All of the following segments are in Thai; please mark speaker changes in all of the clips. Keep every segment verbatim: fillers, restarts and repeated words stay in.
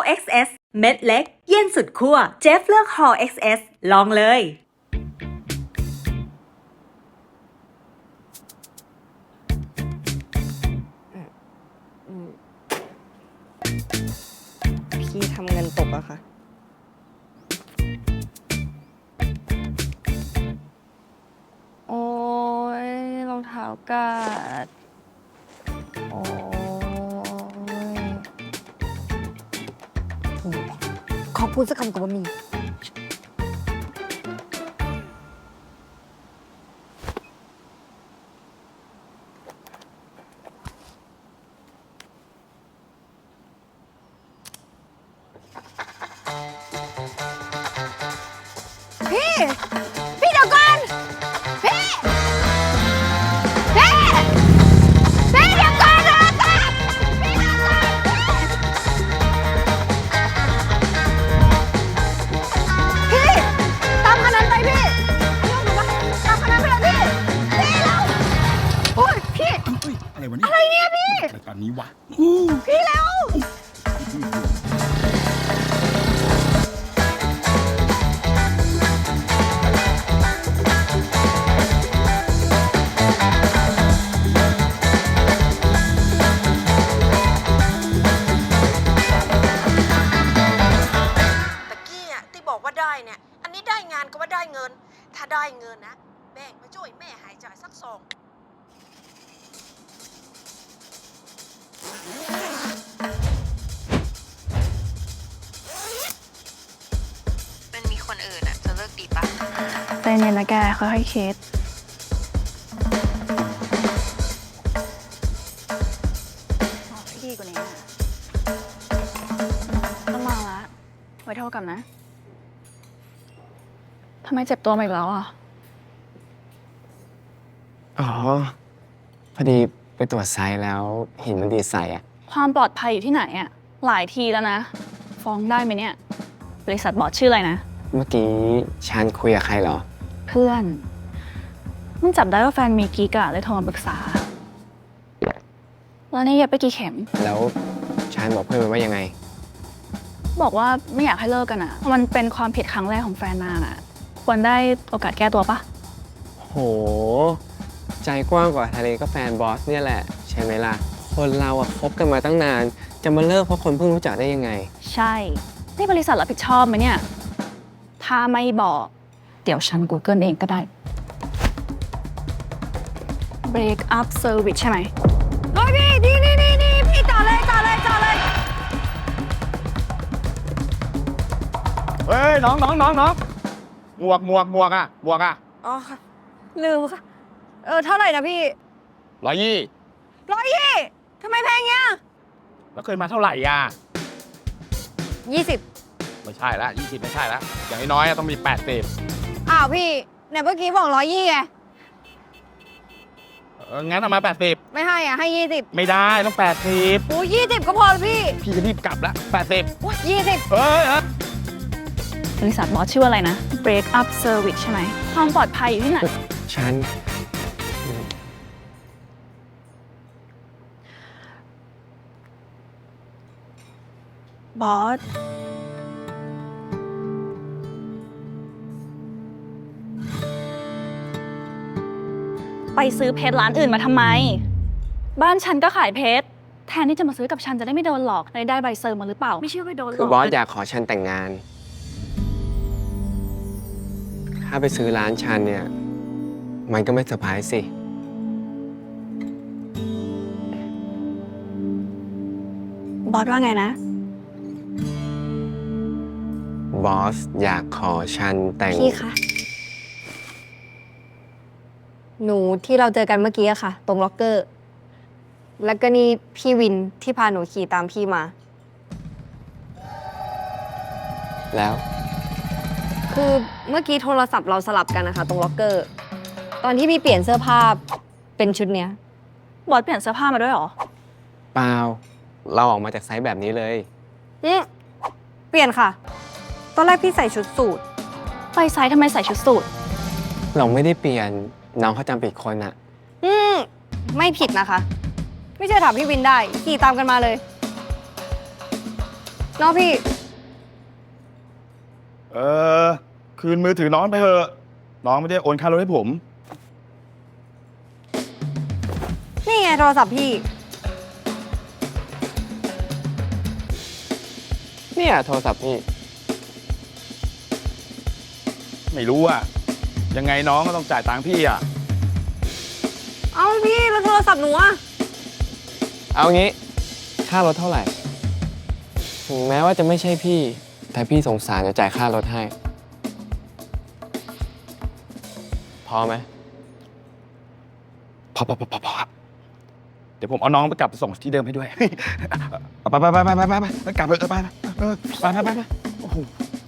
Speaker 1: เอ็กซ์เอส เม็ดเล็ก เย็นสุดขั้วเจฟเลือก Hall เอ็กซ์เอส ลองเลย
Speaker 2: พี่ทำเงินตกอะค่ะโอ้ยรองเท้ากาดโอ้ยขอพูดสักคำกับว่ามีพี่พี่เดี๋ยวก่อนพี่พี่พี่เดี๋ยวก่อนนะพี่เดี๋ยวก่อนพี่ตามคันนั้นไปพี่ตามคันนั้นไปเลยพี่พี่แล้วโอ้ยพี่
Speaker 3: เฮ้ยอะไรวะเนี่ย
Speaker 2: อะไรเนี่ยพี่
Speaker 3: อะไรตอนนี้วะ
Speaker 2: พี่แล้ว
Speaker 4: ตะกี้อ่ะที่บอกว่าได้เนี่ย อันนี้ได้งานก็ว่าได้เงิน ถ้าได้เงินนะแบ่งมาช่วยแม่หายใจสักสองเป็นมีคนอื่นอ่ะจะเลิกดีปะ
Speaker 2: ใจเย็นนะแกค่อยๆคิดพี่กว่านี้ต้องมาละไว้เท่ากันนะทำไมเจ็บตัวมาอีกแล้วอ่ะ
Speaker 5: อ๋อ พอดีไปตรวจไซส์แล้วเห็นมันดีดใส่อะ
Speaker 2: ความปลอดภัยอยู่ที่ไหนอ่ะหลายทีแล้วนะ ฟ้องได้ไหมเนี่ย บริษัทบอสชื่ออะไรนะ
Speaker 5: เมื่อกี้ฉันคุยกับใครเหรอ
Speaker 2: เพื่อนมันจับได้ว่าแฟนมีกิ๊กอะเลยโทรมาปรึกษา แล้วนี่เย็บไปกี่เข็ม
Speaker 5: แล้วฉันบอกเพื่อนไปว่ายังไง
Speaker 2: บอกว่าไม่อยากให้เลิกกันอะมันเป็นความผิดครั้งแรกของแฟนนางอะควรได้โอกาสแก้ตัวปะ
Speaker 5: โห ใจกว้างกว่าทะเลก็แฟนบอสเนี่ยแหละ ใช่ไหมล่ะ คนเราอะคบกันมาตั้งนาน จะมาเลิกเพราะคนเพิ่งรู้จักได้ยังไง
Speaker 2: ใช่ นี่บริษัทรับผิดชอบไหมเนี่ย ถ้าไม่บอก เดี๋ยวฉัน Google เองก็ได้ break up service ใช่ไหมเฮ้ยพี่นี่นี่นี่นี่พี่ต่อเลยต่อเลยต่อเลย
Speaker 3: เฮ้ยน้องน้องน้องน้องหมวกหมวกหมวกอ่ะหมวกอ่ะ
Speaker 2: อ๋อค่ะลืมค่ะ เออเท่าไหร่นะพี่
Speaker 3: ร้อยยี่
Speaker 2: ร้อยยี่ทำไมแพงเงี้ย
Speaker 3: แล้วเคยมาเท่าไหร่อ่ะ
Speaker 2: ยี่สิบ
Speaker 3: ไม่ใช่ละยี่สิบไม่ใช่ละอย่างน้อยๆอะต้องมีแปดสิบ
Speaker 2: อ้าวพี่เนี่ยเมื่อกี้บอกร้อยยี่ไง
Speaker 3: เอองั้นเอามาแปดสิบ
Speaker 2: ไม่ให้อ่ะให้ยี่สิบ
Speaker 3: ไม่ได้ต้องแปดสิบ
Speaker 2: โอ้ยี่สิบก็พอแล้วพี่
Speaker 3: พี่จะรีบกลับละแปดสิบ
Speaker 2: โอ้ยี่สิบ
Speaker 3: เฮ้ยเฮ้ย
Speaker 2: บริษัทบอสชื่ออะไรนะ break up service ใช่ไหมความปลอดภัยอยู่ที่ไหน
Speaker 5: ฉัน
Speaker 2: บอส ไปซื้อเพชรร้านอื่นมาทำไม บ้านฉันก็ขายเพชร แทนที่จะมาซื้อกับฉันจะได้ไม่โดนหลอกเลยได้ใบเซอร์มาหรือเปล่า ไม่เชื่อไปโดนหลอก
Speaker 5: คือบอสอยากขอฉันแต่งงาน ถ้าไปซื้อร้านฉันเนี่ย มันก็ไม่เซอร์ไพรส์สิ
Speaker 2: บอสว่าไงนะ
Speaker 5: บอสอยากขอฉันแต่ง
Speaker 6: พี่คะ หนูที่เราเจอกันเมื่อกี้อะค่ะ ตรงล็อกเกอร์ แล้วก็นี่พี่วินที่พาหนูขี่ตามพี่มา
Speaker 5: แล้ว
Speaker 6: คือเมื่อกี้โทรศัพท์เราสลับกันนะคะ ตรงล็อกเกอร์ ตอนที่พี่เปลี่ยนเสื้อผ้าเป็นชุดเนี้ย
Speaker 2: บอสเปลี่ยนเสื้อผ้ามาด้วยเหรอ
Speaker 5: เปล่า เราออกมาจากไซส์แบบนี้เลย
Speaker 6: อืมเปลี่ยนค่ะ ตอนแรกพี่ใส่ชุดสูท
Speaker 2: ไปไซส์ทำไมใส่ชุดสูท
Speaker 5: เราไม่ได้เปลี่ยน น้องเขาจำผิดคนอะ
Speaker 6: อืมไม่ผิดนะคะ ไม่เชื่อถามพี่วินได้ ขี่ตามกันมาเลยเนาะพี่
Speaker 3: เออ คืนมือถือน้องไปเถอะ น้องไม่ได้โอนค่ารถให้ผม
Speaker 6: นี่ไงโทรศัพท์พี่
Speaker 5: เนี่ยโทรศัพท์พี่
Speaker 3: ไม่รู้อะยังไงน้องก็ต้องจ่ายตังค์พี่อะ
Speaker 6: เอาพี่แล้วโทรศัพท์หนูอะ
Speaker 5: เอางี้ ค่ารถเท่าไหร่ ถึงแม้ว่าจะไม่ใช่พี่ แต่พี่สงสารจะจ่ายค่ารถให้ พอไหม
Speaker 3: พอพอพอพอพอครับเดี๋ยวผมเอาน้องไปกลับไปส่งที่เดิมให้ด้วย ไปไปไปไปไปไปไปกลับไปเออไปไปเออไปไปไปไปโอ้โห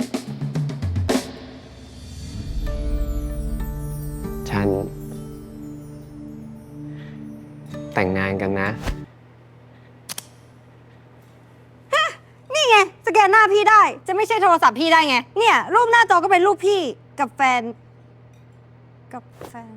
Speaker 5: ฉัน แต่งงานกันนะ
Speaker 6: นี่ไงสแกนหน้าพี่ได้ จะไม่ใช่โทรศัพท์พี่ได้ไง เนี่ย รูปหน้าจอก็เป็นรูปพี่กับแฟน กับแฟน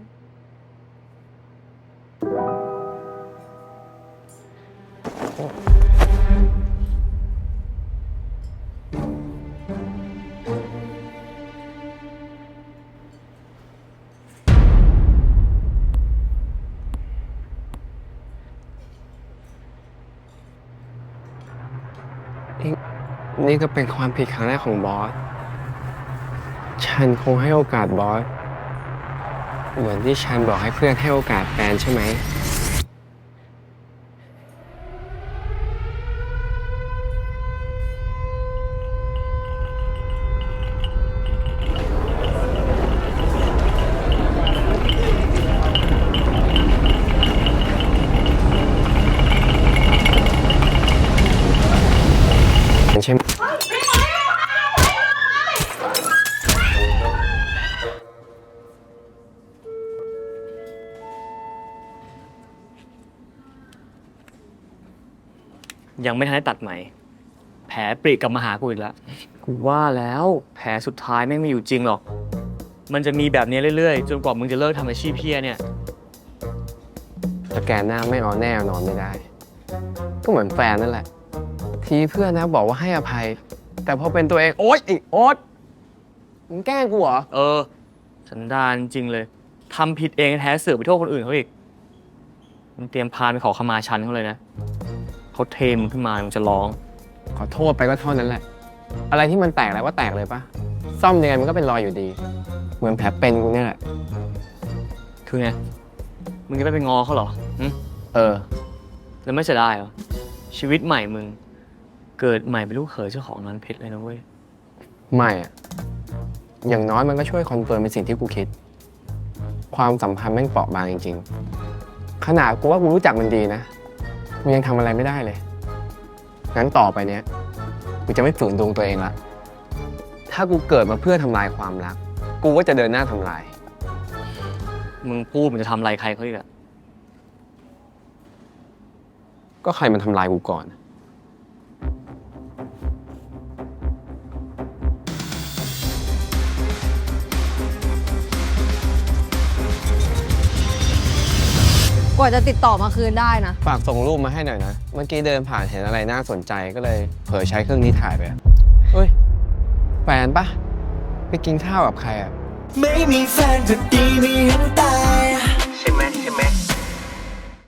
Speaker 5: นี่นี่ก็เป็นความผิดครั้งแรกของบอส ฉันคงให้โอกาสบอส เหมือนที่ฉันบอกให้เพื่อนให้โอกาสแฟนใช่ไหม ใช่ไหม
Speaker 7: ยังไม่ทันได้ตัดไหม แผลปริกลับมาหากูอีกแล้ว กูว่าแล้วแผลสุดท้ายแม่งไม่อยู่จริงหรอก มันจะมีแบบนี้เรื่อยๆ จนกว่ามึงจะเลิกทำอาชีพเพี้ยเนี่ย
Speaker 5: สแกนหน้าไม่เอาแน่เอานอนไม่ได้ ก็เหมือนแฟนนั่นแหละ ทีเพื่อนนะบอกว่าให้อภัย แต่พอเป็นตัวเอง โอ๊ยไอ้โอ๊ตมึงแกล้งกูเหรอ
Speaker 7: เออ สันดานจริงเลยทำผิดเองแท้เสือกไปโทษคนอื่นเขาอีกมึงเตรียมพานไปขอขมาชันเขาเลยนะเขาเทมึงขึ้นมามึงจะร้อง
Speaker 5: ขอโทษไปก็เท่านั้นแหละ อะไรที่มันแตกแล้วว่าแตกเลยปะซ่อมยังไงมันก็เป็นรอยอยู่ดี เหมือนแผลเป็นกูเนี่ยแหละ
Speaker 7: คือไง มึงจะไม่ไปงอเขาเหรอหึ
Speaker 5: เออ
Speaker 7: แล้วไม่เสียดายเหรอ ชีวิตใหม่มึง เกิดใหม่เป็นลูกเขยเจ้าของร้านเพชรเลยนะเว้ย
Speaker 5: ไม่อะอย่างน้อยมันก็ช่วยคอนเฟิร์มเป็นสิ่งที่กูคิด ความสัมพันธ์แม่งเปราะบางจริงๆ ขนาดกูว่ากูรู้จักมันดีนะกูยังทำอะไรไม่ได้เลย งั้นต่อไปเนี้ยกูจะไม่ฝืนดวงตัวเองละ ถ้ากูเกิดมาเพื่อทำลายความรัก กูก็จะเดินหน้าทำลาย
Speaker 7: มึงพูดมันจะทำอะไรใครเขาอีกอะ
Speaker 5: ก็ใครมันทำลายกูก่อน
Speaker 6: กว่าจะติดต่อมาคืนได้นะ
Speaker 5: ฝากส่งรูปมาให้หน่อยนะ เมื่อกี้เดินผ่านเห็นอะไรน่าสนใจก็เลยเผลอใช้เครื่องนี้ถ่ายไปอะเฮ้ย แฟนปะไปกินข้าวกับใครอ่ะ
Speaker 8: ไม่มีแฟนก็ดีไม่เห็นตาย